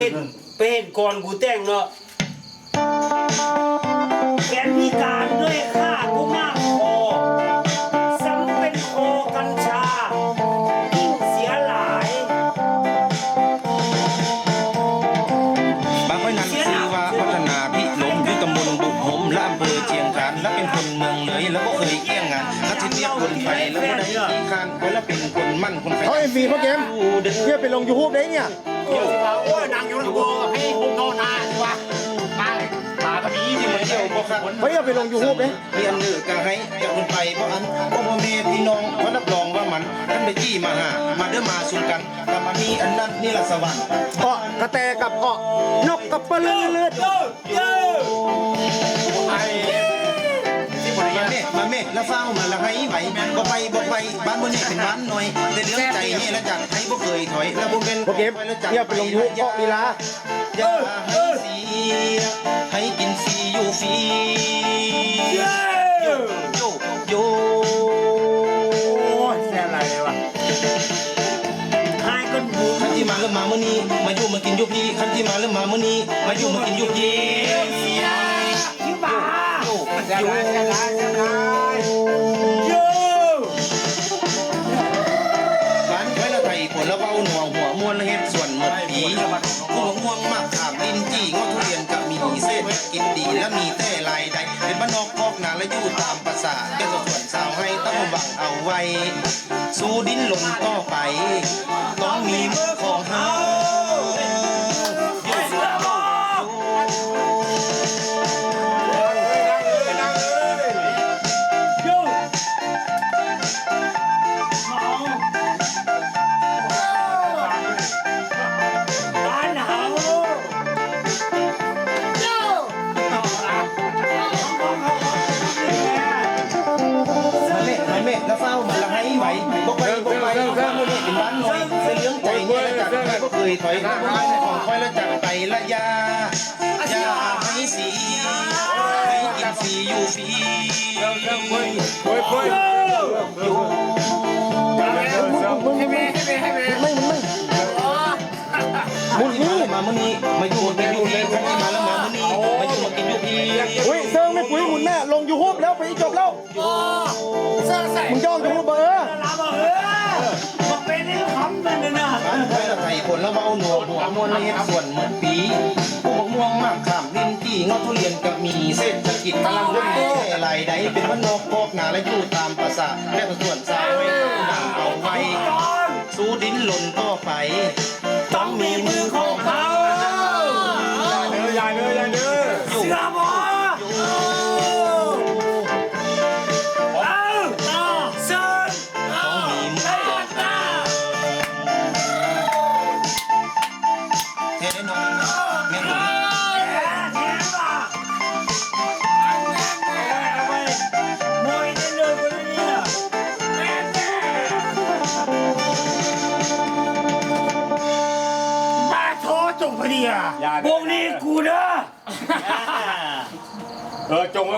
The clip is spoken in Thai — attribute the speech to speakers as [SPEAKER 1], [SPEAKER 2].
[SPEAKER 1] เป็นก่อนกูแต่งเนาะแขนพิการด้วยค่ากูมากพอซ้ำเป็นคอกัญชายิ่งเสียหลาย
[SPEAKER 2] บางไว้นั้นชื่อว่าพัฒนาพิลมอยู่ตำบลบุกหมและอำเภอเชียงคานและเป็นคนเมืองเลยแล้วก็เคยเกี่ยงงานถ้าที่เรียกคนไปแล้วก็ได้ที่คานไว้แล้วเป็นคนมั่นคนไป
[SPEAKER 3] เขาเอ็มวีพ่อเกมเนี่ยไปลงยูทูบได้เนี่ย
[SPEAKER 4] โอ้ยนางอยู่ในบัวให้ผมนอนนานวะมาก็มีที่
[SPEAKER 2] ที่
[SPEAKER 4] มั
[SPEAKER 2] มาน เที่
[SPEAKER 4] เที่
[SPEAKER 2] ย
[SPEAKER 4] ยว ว
[SPEAKER 2] บ่ครับ
[SPEAKER 3] เฮ้ยเอาไปลงยูทูบเลย
[SPEAKER 2] เรียนเลือกก็ให้กับคนไปเพราะอันพ่อแม่พี่น้องเขารับรองว่ามันท่านไปจี้มาหามาเด้อมาสุ่มกันถ้ามามีอันนั้นนี่ละสวรรค์
[SPEAKER 3] เกาะกระแตกับเกาะนกกับปลาเลือด
[SPEAKER 4] ไอ้ที่บริ
[SPEAKER 2] มา
[SPEAKER 4] เวณ
[SPEAKER 2] เมฆมาเมฆแล้วเฝ้ามาละให้ไหวบ่ไปบ้านบ่นี่เป็นบ้านหน่อยแต่เรื่องใจนี่ละจัดให้บ่เคยถอยแล้วบ่เป็น
[SPEAKER 3] พ่อเกมเนี่ยไปลงยูทูบเกาะลีลา
[SPEAKER 2] อย่าให้เสียให้กินฟรีอยู่ฟรีโยโย
[SPEAKER 4] โอ้ยแซ่บอะไรเลยวะ
[SPEAKER 1] ให้กันบู
[SPEAKER 2] คันที่มาแล้วมามื้อนี้มาอยู่มากินอยู่พี่คันที่มาแล้วมามื้อนี้มาอยู่มากินอยู่พี่
[SPEAKER 1] ที่บ้า
[SPEAKER 2] โย
[SPEAKER 4] แซ่บ
[SPEAKER 2] โย
[SPEAKER 4] ไรแซ่บไรแซ่บไร
[SPEAKER 1] โย
[SPEAKER 2] บ้านไว้ละไทยผลละเว้าหน่วงหัวมวนละเฮ็ดส่วนหมดปีผู้ม่วงมากถามลิ้นจี้งอทุเรียนกับมีเศษกินดีและมีแต่ลายใดเป็นบ้านนอกพอกนาและอยู่ตามภาษาแก่ส่วนสาวให้ต้องหวังเอาไว้ สู้ดิ้นลนต่อไป ต้องมีมือของเฮา
[SPEAKER 1] เสือบ่โยบ้านเฮาโย
[SPEAKER 2] มาเมฆแล้วเฝ้ามาละให้ไหวบอกไปบ้านมื้อนี้เป็นบ้านน้อยเสียเรื่องใจเนี่ยละจัดให้บ่เคยถอยของคอยละจัดไปละยาให้สีให้กินฟรีอยู่ฟรีอยู่
[SPEAKER 4] ให้แม่ให้แม่
[SPEAKER 3] ไม่มุนนี่
[SPEAKER 2] มามื้อนี้มาอยู่มากินอยู่พี่คันที่มาแล้วมามื้อนี้มาอยู่มากินอยู่พี่
[SPEAKER 3] เฮ้ยเซิร์งไม่ปุ๋ยหุ่นแม่ลงยูทูบแล้วไปจบแล้ว
[SPEAKER 4] เสื้อใส่
[SPEAKER 3] มึงย่องยูทูบเบอร์
[SPEAKER 1] ลาบ่มาเป็นให้คำนั่นน่ะ
[SPEAKER 2] บ้านไว้ละไทยผลละเว้าหนัวหัวมวนละเฮ็ดส่วนเหมือนปีผู้บักม่วงมากข้ามลิ้นจี้งอทุเรียนกับมีเศรษฐกิจกำลังรุ่งเรืองหลายใดเป็นบ้านนอกพอกนาและอยู่ตามภาษาแม่ส่วนสาวให้ดังเอาไว้ สู้ดิ้นหล่นต่อไป
[SPEAKER 1] ต้องมีมือของเขา
[SPEAKER 4] ใหญ่เลยใหญ่เลย
[SPEAKER 1] เสือบ่เอาเสือ
[SPEAKER 2] ต้องมีมือของเทได้น้องแม่หนุ่ม
[SPEAKER 4] จงพอดีอ่ะ
[SPEAKER 1] วงนี้กูเด้อ
[SPEAKER 4] จง